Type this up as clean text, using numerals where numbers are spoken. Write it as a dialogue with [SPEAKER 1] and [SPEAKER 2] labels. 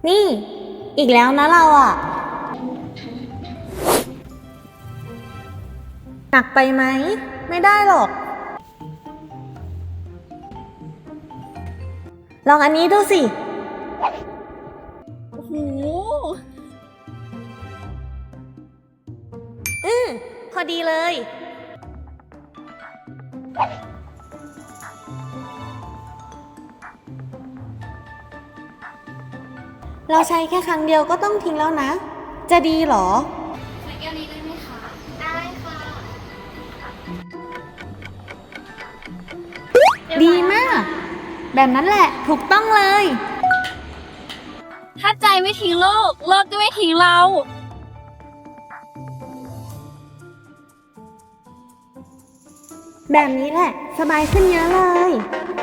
[SPEAKER 1] นี่อีกแล้วนะเราอะหนักไปไหมไม่ได้หรอกลองอันนี้ดูสิ
[SPEAKER 2] โอ้โห
[SPEAKER 1] พอดีเลยเราใช้แค่ครั้งเดียวก็ต้องทิ้งแล้วนะจะดีเหรอ
[SPEAKER 2] ใส่แก้วนี้ได้ไหมคะ ได้ค่ะ
[SPEAKER 1] ดีมากแบบนั้นแหละถูกต้องเลย
[SPEAKER 2] ถ้าใจไม่ทิ้งโลก โลกก็ไม่ทิ้งเรา
[SPEAKER 1] แบบนี้แหละสบายขึ้นเยอะเลย